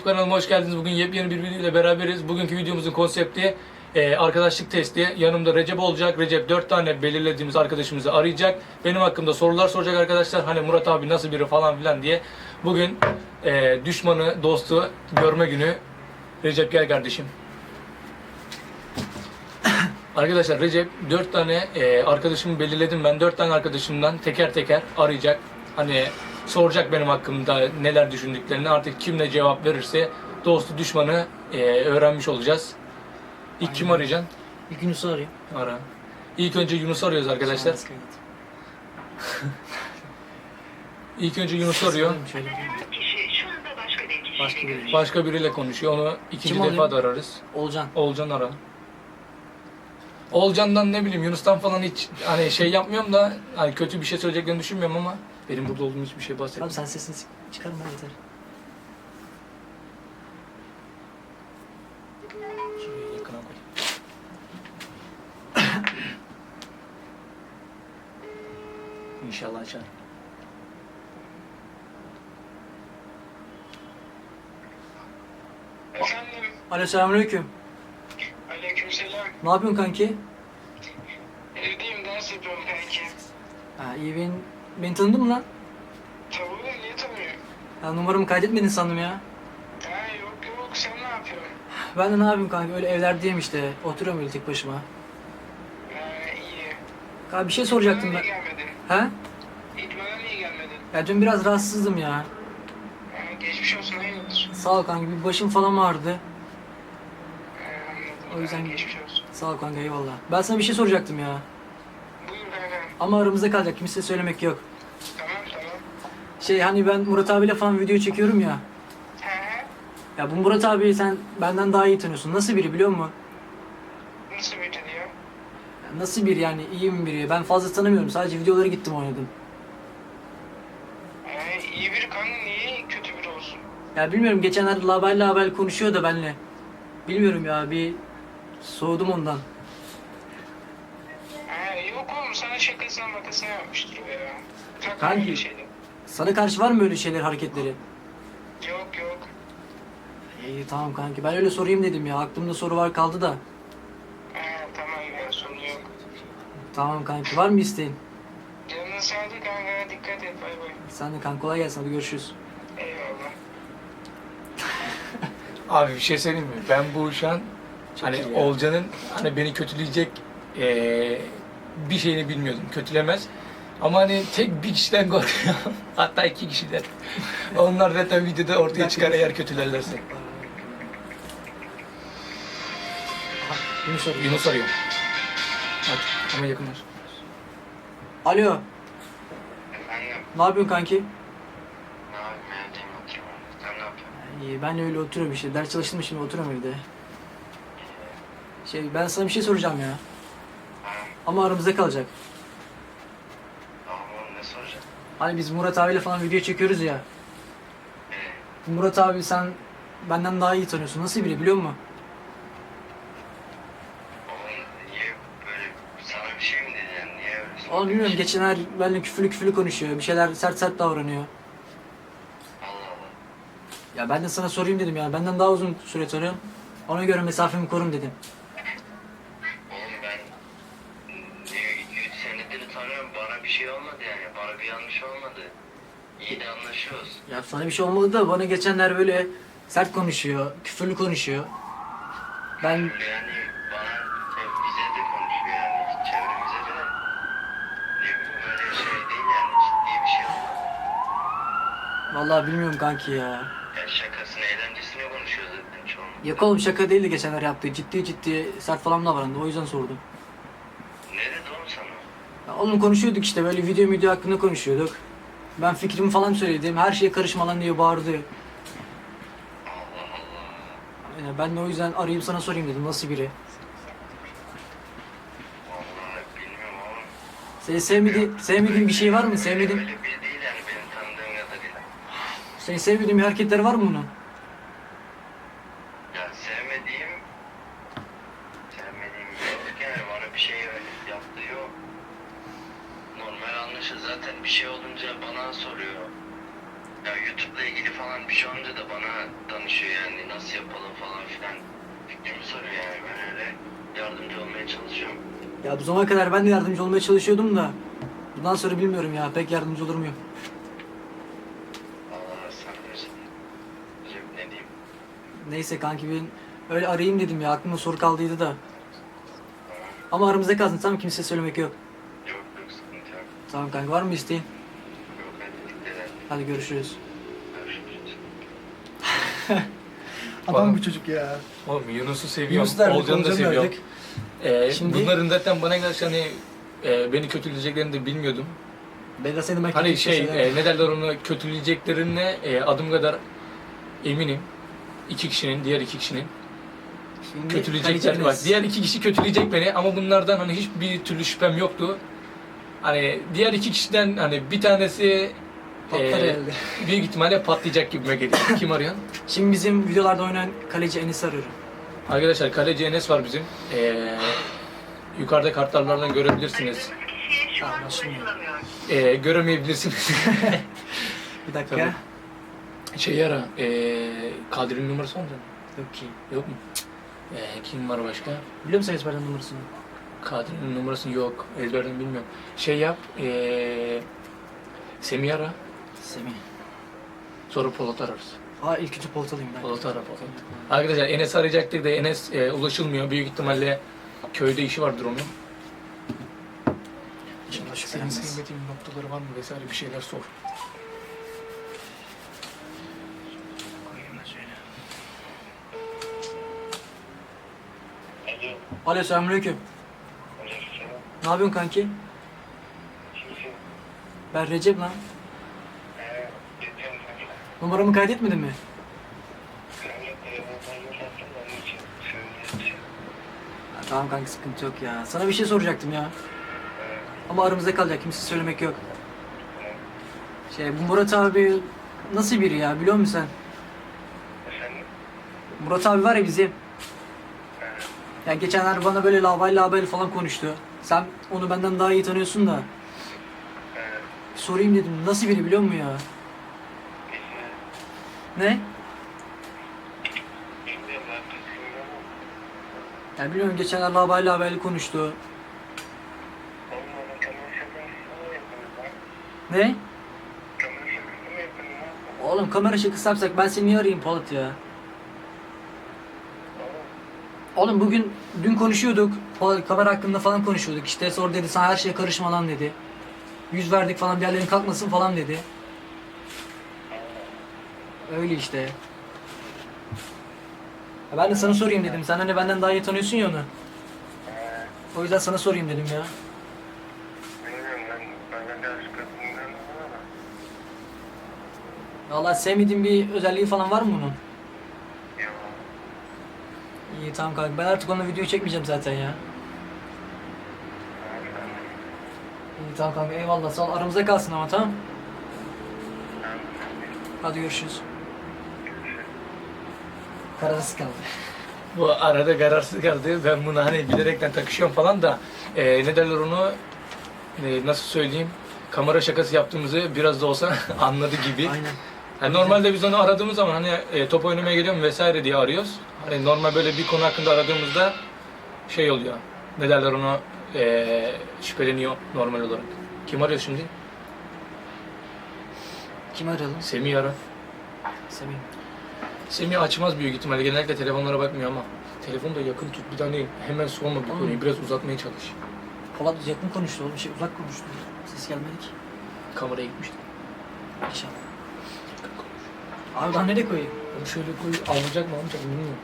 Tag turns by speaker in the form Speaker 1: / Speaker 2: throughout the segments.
Speaker 1: kanalıma hoş geldiniz. Bugün yepyeni bir video ile beraberiz. Bugünkü videomuzun konsepti arkadaşlık testi. Yanımda Recep olacak. Recep 4 tane belirlediğimiz arkadaşımızı arayacak. Benim hakkımda sorular soracak arkadaşlar. Hani Murat abi nasıl biri falan filan diye. Bugün düşmanı, dostu görme günü. Recep gel kardeşim. Arkadaşlar Recep 4 tane arkadaşımı belirledim ben. 4 tane arkadaşımdan teker teker arayacak. Hani soracak benim hakkımda neler düşündüklerini. Artık kim ne cevap verirse dostu düşmanı öğrenmiş olacağız. İlk kim arayacaksın?
Speaker 2: Bir Yunus'u arayayım.
Speaker 1: Ara. İlk önce Yunus'u arıyoruz arkadaşlar. İlk önce Yunus'u arıyor.
Speaker 2: Şöyle. Başka biri.
Speaker 1: Başka biriyle konuşuyor. Onu ikinci
Speaker 2: Kim
Speaker 1: defa
Speaker 2: arıyor?
Speaker 1: da ararız.
Speaker 2: Olcan.
Speaker 1: Olcan ara. Olcan'dan ne bileyim Yunus'tan falan hiç hani şey yapmıyorum da hani kötü bir şey söyleyeceklerini düşünmüyorum ama benim burada olduğum hiçbir şey bahsetmiyorum.
Speaker 2: Abi sen sesini çıkarma yeter.
Speaker 1: Şuraya yakına koy. İnşallah açar.
Speaker 3: Efendim,
Speaker 2: Alo selamünaleyküm.
Speaker 3: aleykümselam.
Speaker 2: Ne yapıyorsun kanki?
Speaker 3: Evdeyim, ders yapıyorum kanki.
Speaker 2: Ha iyi beni tanıdın mı lan?
Speaker 3: Tavuğu niye tanıyor?
Speaker 2: Ya numaramı kaydetmedin sandım ya.
Speaker 3: Ha yok, sen ne yapıyorsun?
Speaker 2: Ben de ne yapayım kanki öyle evlerdeyim işte. Oturuyorum öyle tek başıma.
Speaker 3: Ha iyi.
Speaker 2: Kanka bir şey soracaktım
Speaker 3: İdmana
Speaker 2: ben.
Speaker 3: niye gelmedin?
Speaker 2: Ha?
Speaker 3: İdmana niye gelmedin?
Speaker 2: Ya dün biraz rahatsızdım ya.
Speaker 3: Ha, geçmiş olsun, hayırdır?
Speaker 2: Sağ ol kanki bir başım falan ağrıdı.
Speaker 3: Ha, anladım.
Speaker 2: O yüzden-
Speaker 3: Ha, geçmiş olsun.
Speaker 2: Sağ ol kanka eyvallah. Ben sana bir şey soracaktım ya.
Speaker 3: Buyur kanka.
Speaker 2: Ama aramızda kalacak kimseye söylemek yok.
Speaker 3: Tamam.
Speaker 2: Şey hani ben Murat abiyle falan video çekiyorum ya.
Speaker 3: Ha,
Speaker 2: Ya bu Murat abi sen benden daha iyi tanıyorsun. Nasıl biri biliyor musun?
Speaker 3: nasıl bir tadı ya?
Speaker 2: Ya nasıl biri yani iyi mi biri? Ben fazla tanımıyorum. Sadece videoları gittim oynadım.
Speaker 3: Ha, iyi biri kanka, niye kötü biri olsun?
Speaker 2: Ya bilmiyorum geçenlerde label konuşuyor da benle. Bilmiyorum ya bir soğudum ondan.
Speaker 3: Ha, yok oğlum, sana şakasına makasına yapmıştır o ya. Takma
Speaker 2: Kanki.
Speaker 3: öyle şeyleri.
Speaker 2: Sana karşı var mı öyle şeyler hareketleri?
Speaker 3: Yok.
Speaker 2: İyi tamam kanki ben öyle sorayım dedim ya. Aklımda soru var kaldı da.
Speaker 3: Ha, tamam ya, sorun yok.
Speaker 2: Tamam kanki var mı isteğin?
Speaker 3: Canın sağlık kanka, dikkat et, bay bay.
Speaker 2: Sen de kanka kolay gelsin hadi görüşürüz.
Speaker 3: Eyvallah.
Speaker 1: Abi bir şey söyleyeyim mi? Ben bu şu an hani
Speaker 2: iyi ya.
Speaker 1: Olcan'ın hani beni kötüleyecek bir şeyini bilmiyordum. Kötülemez. Ama hani tek bir kişiden korkuyorum. Hatta 2 kişiden. Onlar zaten videoda ortaya çıkar eğer kötülerlerse.
Speaker 2: Yunus arıyor.
Speaker 1: Yunus arıyor. Hadi ama yakınlar.
Speaker 2: Alo
Speaker 3: Efendim,
Speaker 2: ne yapıyorsun kanki?
Speaker 3: ne yapayım, evdeyim, oturuyorum. Sen ne yapıyorsun?
Speaker 2: İyi ben de öyle oturuyorum işte. Ders çalıştım şimdi oturuyorum evde. Ben sana bir şey soracağım ya. Ama aramızda kalacak.
Speaker 3: Tamam oğlum, ne soracağım?
Speaker 2: Hani biz Murat abiyle falan video çekiyoruz ya. Murat abi sen benden daha iyi tanıyorsun. Nasıl biri biliyor musun?
Speaker 3: Oğlum niye böyle, sana bir şey mi dedi yani, niye öyle
Speaker 2: Oğlum
Speaker 3: sordun?
Speaker 2: bilmiyorum geçenler benimle küfürlü konuşuyor. Bir şeyler sert davranıyor.
Speaker 3: Allah Allah.
Speaker 2: Ya ben de sana sorayım dedim yani. Benden daha uzun süre tanıyorum. Ona göre mesafemi korum dedim.
Speaker 3: Oğlum ben 2-3 senedir tanıyorum, bana bir şey olmadı yani, bana bir yanlış olmadı. İyi de anlaşıyoruz.
Speaker 2: Ya sana bir şey olmadı da bana geçenler böyle sert konuşuyor. Küfürlü konuşuyor. Ben
Speaker 3: Yani bana bize de konuşuyor yani, çevremize de. Ne bileyim, öyle şey değil yani, ciddi bir şey olmadı.
Speaker 2: vallahi bilmiyorum kanki ya.
Speaker 3: Yani şakasını, eğlencesine konuşuyor zaten çoğunlukla.
Speaker 2: Yok oğlum şaka değildi geçenler yaptığı. Ciddi sert falan davrandı. O yüzden sordum.
Speaker 3: Ne dedi oğlum sana?
Speaker 2: Ya oğlum konuşuyorduk işte böyle video hakkında konuşuyorduk. Ben fikrimi falan söyledim. Her şeye karışma lan diye bağırdı.
Speaker 3: Allah Allah.
Speaker 2: Yani ben de o yüzden arayayım sana sorayım dedim nasıl biri.
Speaker 3: Vallahi bilmiyorum oğlum.
Speaker 2: Senin sevmediğin bir şey var mı? Sevmediğin,
Speaker 3: Öyle biri değil yani, benim tanıdığım kadarıyla.
Speaker 2: senin sevmediğin bir hareketler var mı bunun?
Speaker 3: Ya sevmediğim yok yani, bana bir şey yaptığı yok. Normal anlaşır zaten, bir şey olunca bana soruyor. Ya YouTube'la ilgili falan bir şey olunca da bana danışıyor yani nasıl yapalım falan filan. Fikrimi soruyor yani ben öyle yardımcı olmaya çalışıyorum.
Speaker 2: Ya bu zamana kadar ben de yardımcı olmaya çalışıyordum da bundan sonra bilmiyorum ya, pek yardımcı olur muyum?
Speaker 3: Allah sana versin. Ne diyeyim?
Speaker 2: Neyse kanki, ben öyle arayayım dedim ya, aklımda soru kaldıydı da. Ama aramızda kalsın, tamam, kimseye söylemek yok.
Speaker 3: Yok yok sıkıntı yok.
Speaker 2: Tamam kanka, var mı isteğin?
Speaker 3: Yok hadi dikkat et.
Speaker 2: Hadi görüşürüz.
Speaker 3: Görüşürüz.
Speaker 2: Adam bu çocuk ya.
Speaker 1: Oğlum Yunus'u seviyorum.
Speaker 2: Yunus derdik,
Speaker 1: Olcan'ı da
Speaker 2: Olcan'ı
Speaker 1: seviyorum.
Speaker 2: derdik. Şimdi-
Speaker 1: Bunların zaten bana karşı hani beni kötüleyeceklerini de bilmiyordum.
Speaker 2: Ben de seni belki
Speaker 1: Hani
Speaker 2: bir şey
Speaker 1: ne derler onu kötüleyeceklerine adım kadar eminim. Diğer iki kişinin
Speaker 2: Şimdi
Speaker 1: kötüleyecekler
Speaker 2: kaleci
Speaker 1: var.
Speaker 2: Enes.
Speaker 1: Diğer iki kişi kötüleyecek beni ama bunlardan hani hiçbir türlü şüphem yoktu. Hani diğer iki kişiden hani bir tanesi
Speaker 2: Patlar herhalde.
Speaker 1: büyük ihtimalle patlayacak gibime geliyor. Kim arıyor?
Speaker 2: Şimdi bizim videolarda oynayan kaleci Enes'i arıyorum.
Speaker 1: Arkadaşlar kaleci Enes var bizim. Yukarıda kartlardan görebilirsiniz.
Speaker 3: Kişiye şu
Speaker 2: Tamam,
Speaker 3: an
Speaker 2: şimdi.
Speaker 3: ulaşılamıyor.
Speaker 2: Bir
Speaker 1: Göremeyebilirsiniz.
Speaker 2: dakika.
Speaker 1: Tabii. Şey ara, Kadri'nin numarası var mı?
Speaker 2: Yok ki.
Speaker 1: Yok mu? Kim var başka?
Speaker 2: Biliyor musun ezberden numarasını?
Speaker 1: Kadri'nin numarası yok. Ezberden bilmiyorum. Şey yap, Semih ara.
Speaker 2: Semih.
Speaker 1: Sonra Polat ararız.
Speaker 2: İlk üçü Polat'alayım ben.
Speaker 1: Polat ara Polat. Arkadaşlar Enes arayacaktık da Enes ulaşılmıyor. Büyük ihtimalle köyde işi vardır onun.
Speaker 2: İnşallah
Speaker 1: Senin
Speaker 2: şüphelenmez.
Speaker 1: sevmediğin noktaları var mı vesaire bir şeyler sor.
Speaker 2: Koyayım da şöyle.
Speaker 3: Alo.
Speaker 2: Alo, selamünaleyküm.
Speaker 3: Aleykümselam.
Speaker 2: Ne yapıyorsun kanki?
Speaker 3: Kimsin?
Speaker 2: Ben Recep lan.
Speaker 3: Geçen
Speaker 2: Numaramı kaydetmedin mi?
Speaker 3: seninle telefonlarını sattım onun için söyleyeceğim.
Speaker 2: Tamam kanki, sıkıntı yok ya. Sana bir şey soracaktım ya. Ama aramızda kalacak, kimse söylemek yok. Bu Murat abi nasıl biri ya, biliyor musun sen?
Speaker 3: Efendim?
Speaker 2: Murat abi var ya bizim. Ya geçenler bana böyle lavayla falan konuştu. Sen onu benden daha iyi tanıyorsun da. Sorayım dedim, nasıl biri biliyor musun ya? Ne?
Speaker 3: Bilmiyorum ben bilmiyorum.
Speaker 2: Ya biliyorum, geçenler lavayla konuştu.
Speaker 3: Olmadı kamera şakası mı yapıyorsun lan?
Speaker 2: Ne?
Speaker 3: Kamera şakası mı yapıyorsun lan?
Speaker 2: Oğlum kamera şakası yapsak ben seni niye arayayım Polat ya? Oğlum dün konuşuyorduk. Kamera hakkında falan konuşuyorduk. İşte sonra dedi, sana her şeye karışma lan dedi. Yüz verdik falan, bir yerlerin kalkmasın falan dedi. Öyle işte. Ya ben de sana sorayım dedim. Sen hani benden daha iyi tanıyorsun ya onu. O yüzden sana sorayım dedim ya.
Speaker 3: Bilmiyorum ben de aşk kadınlarım ama.
Speaker 2: Vallahi sevmediğin bir özelliği falan var mı bunun?
Speaker 3: Yok.
Speaker 2: İyi tamam kanka. Ben artık onunla video çekmeyeceğim zaten ya. İyi tamam kanka, eyvallah, sağ ol. Aramızda kalsın ama, tamam. Hadi görüşürüz. Kararsız kaldı.
Speaker 1: Bu arada kararsız kaldı. Ben bunu hani bilerekten takışıyorum falan da ne derler onu nasıl söyleyeyim? Kamera şakası yaptığımızı biraz da olsa anladı gibi.
Speaker 2: Aynen.
Speaker 1: Yani normalde biz onu aradığımız zaman hani top oynamaya geliyorum vesaire diye arıyoruz. Hani normal böyle bir konu hakkında aradığımızda şey oluyor. Ne derler onu şüpheleniyor normal olarak. Kim arıyor şimdi?
Speaker 2: Kimi arayalım?
Speaker 1: Semih ara.
Speaker 2: Semih.
Speaker 1: Semih açmaz büyük ihtimalle. Genellikle telefonlara bakmıyor ama. Telefonu da yakın tut. Bir tane hemen sorma bir konuyu. Biraz uzatmaya çalış.
Speaker 2: Polat yakın konuştu oğlum, uzak konuştu. Ses gelmedi ki.
Speaker 1: Kameraya gitmişti.
Speaker 2: İnşallah. Abi daha nereye koyayım?
Speaker 1: Onu şöyle koy. Alacak mı almayacak mı bilmiyorum.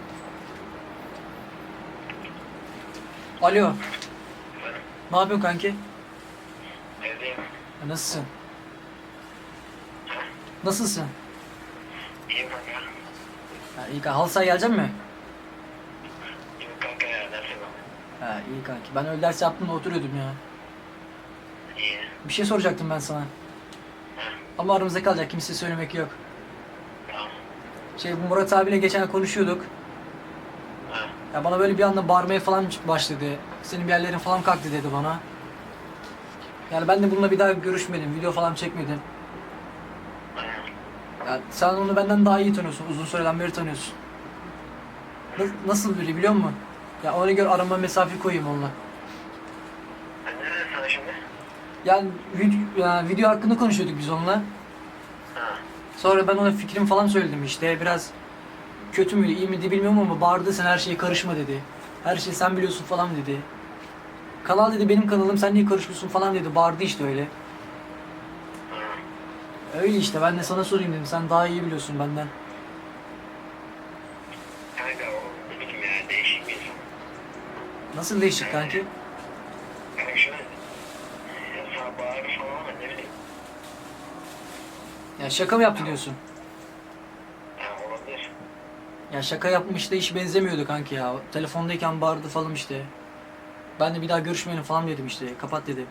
Speaker 2: Alo. Ne yapıyorsun kanki?
Speaker 3: Evdeyim.
Speaker 2: Nasılsın? Nasılsın?
Speaker 3: İyiyim kanka.
Speaker 2: İyi kanka. Halı sahaya gelecek mi?
Speaker 3: İyiyim kanka ya nasıl bak?
Speaker 2: İyi kanki. Ben öyle ders yaptım da oturuyordum ya.
Speaker 3: İyi.
Speaker 2: Bir şey soracaktım ben sana. Ama aramızda kalacak, kimseye söylemek yok.
Speaker 3: Tamam.
Speaker 2: Bu Murat abiyle geçen konuşuyorduk. Ya bana böyle bir anda bağırmaya falan başladı. Senin bir yerlerin falan kalktı dedi bana. Yani ben de bununla bir daha görüşmedim, video falan çekmedim. Ya sen onu benden daha iyi tanıyorsun. Uzun süreden beri tanıyorsun. Nasıl biri biliyor musun? Ya ona göre arama mesafe koyayım onunla.
Speaker 3: Sen neredesin sana şimdi?
Speaker 2: Yani video hakkında konuşuyorduk biz onunla.
Speaker 3: Ha.
Speaker 2: Sonra ben ona fikrimi falan söyledim işte. Biraz kötü müydü, iyi miydi bilmiyorum ama bağırdı, sen her şeye karışma dedi. Her şeyi sen biliyorsun falan dedi. Kanal dedi benim kanalım, sen niye karışıyorsun falan dedi. Bağırdı işte öyle.
Speaker 3: Ha.
Speaker 2: Öyle işte, ben de sana sorayım dedim. Sen daha iyi biliyorsun benden.
Speaker 3: Kanka o ne bileyim ya, değişik bir insan.
Speaker 2: Nasıl değişik kanki?
Speaker 3: Kanka şöyle, ya sana bağırır falan ama ne bileyim.
Speaker 2: Ya şaka mı yaptı diyorsun?
Speaker 3: Ya olabilir.
Speaker 2: Ya şaka yapmış da hiç benzemiyordu kanki ya. Telefondayken bağırdı falan işte. Ben de bir daha görüşmeyelim falan dedim işte. Kapat dedim.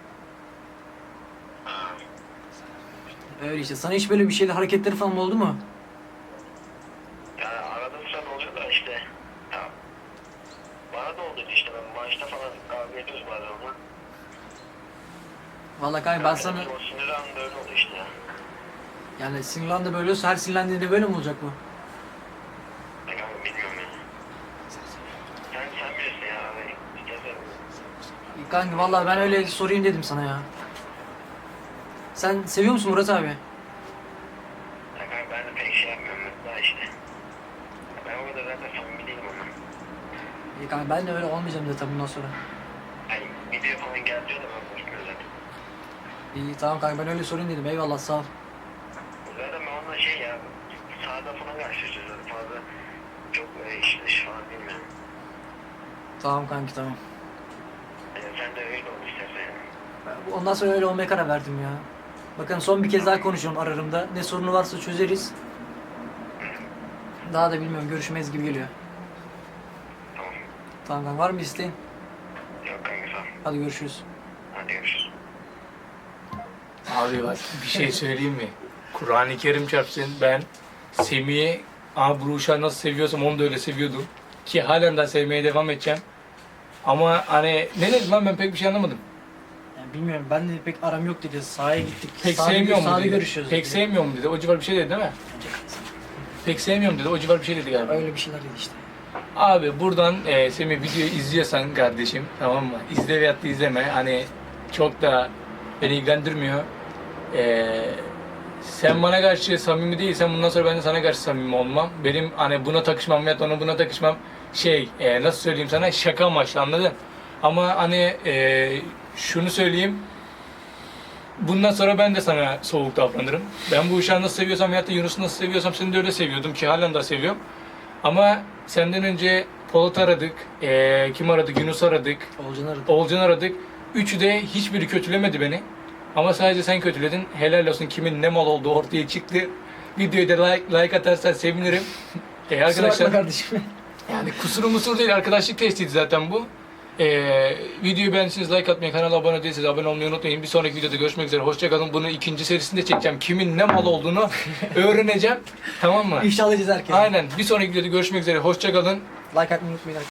Speaker 3: Ha.
Speaker 2: Öyle işte. Sana hiç böyle bir şeyde hareketleri falan oldu mu?
Speaker 3: Ya arada bir sırada oluyor da işte. Ya bana da oldu işte, ben maçta falan kavga ediyoruz bazen onunla.
Speaker 2: Vallahi kanka ben sana...
Speaker 3: O sinir anında öyle oldu işte ya.
Speaker 2: Yani sinirlendi böyle olsa her sinirlendiğinde böyle mi olacak bu?
Speaker 3: Ya kanka bilmiyorum ya. Sen bilirsin ya abi. İstersen.
Speaker 2: Kanka vallahi ben öyle sorayım dedim sana ya. Sen seviyor musun Murat abi?
Speaker 3: Ya kanka ben de pek şey yapmıyorum daha işte. Ben o kadar zaten samimi değilim onunla.
Speaker 2: İyi kanka ben de öyle olmayacağım zaten bundan sonra.
Speaker 3: Hani video falan geldi diyor da ben konuşmuyorum zaten.
Speaker 2: İyi tamam kanka ben öyle sorayım dedim. Eyvallah sağ ol.
Speaker 3: Zaten ben onunla şey ya, sahada falan karşılaşıyoruz zaten, fazla çok iş dışı falan bilmiyorum.
Speaker 2: Tamam kanki tamam.
Speaker 3: Yani sen de öyle ol istersen yani.
Speaker 2: Ondan sonra öyle olmaya karar verdim ya. Bakın son bir kez daha konuşuyorum ararımda. Ne sorunu varsa çözeriz. Daha da bilmiyorum, görüşmeyiz gibi geliyor.
Speaker 3: Tamam.
Speaker 2: Tamam kanka, var mı isteğin?
Speaker 3: Yok kanka sağ ol.
Speaker 2: Hadi görüşürüz.
Speaker 3: Hadi görüşürüz.
Speaker 1: Abi bak bir şey söyleyeyim mi? Kur'an-ı Kerim çarpsın, ben Semih'i bu uşağı nasıl seviyorsam onu da öyle seviyordum. Ki halen daha sevmeye devam edeceğim. Ama hani ne dedim lan, ben pek bir şey anlamadım.
Speaker 2: Yani bilmiyorum, ben de pek aram yok dedi. Sahaya gittik.
Speaker 1: Pek
Speaker 2: Sahada
Speaker 1: sevmiyor mu
Speaker 2: sahada
Speaker 1: dedi.
Speaker 2: görüşüyoruz
Speaker 1: Pek
Speaker 2: dedi.
Speaker 1: sevmiyor mu dedi. O civar bir şey dedi değil mi? Pek sevmiyorum dedi. O civar bir şey dedi galiba.
Speaker 2: Öyle bir şeyler dedi işte.
Speaker 1: Abi buradan Semih videoyu izliyorsan kardeşim, tamam mı? İzle veyahut da izleme. Hani çok da beni ilgilendirmiyor. Sen bana karşı samimi değilsen bundan sonra ben de sana karşı samimi olmam. Benim hani buna takışmam veyahut ona buna takışmam nasıl söyleyeyim sana, şaka amaçlı, anladın? Ama hani şunu söyleyeyim. Bundan sonra ben de sana soğuk davranırım. Ben bu uşağı nasıl seviyorsam veyahut da Yunus'u nasıl seviyorsam seni de öyle seviyordum ki halen de seviyorum. Ama senden önce Polat aradık, kim aradık? Yunus aradık,
Speaker 2: Olcan aradı.
Speaker 1: Olcan aradık. Üçü de hiçbiri kötülemedi beni. Ama sadece sen kötüledin. Helal olsun, kimin ne mal olduğu ortaya çıktı. Videoyu da like atarsan sevinirim.
Speaker 2: Kusura bakma
Speaker 1: Arkadaşlar,
Speaker 2: kardeşim.
Speaker 1: yani kusur değil, arkadaşlık testiydi zaten bu. Videoyu beğendiyseniz like atmayı, kanala abone değilseniz abone olmayı unutmayın. Bir sonraki videoda görüşmek üzere. Hoşçakalın. Bunu ikinci serisinde çekeceğim. Kimin ne mal olduğunu öğreneceğim. Tamam mı?
Speaker 2: İfşa alacağız herkese.
Speaker 1: Aynen. Bir sonraki videoda görüşmek üzere. Hoşçakalın.
Speaker 2: Like atmayı unutmayın.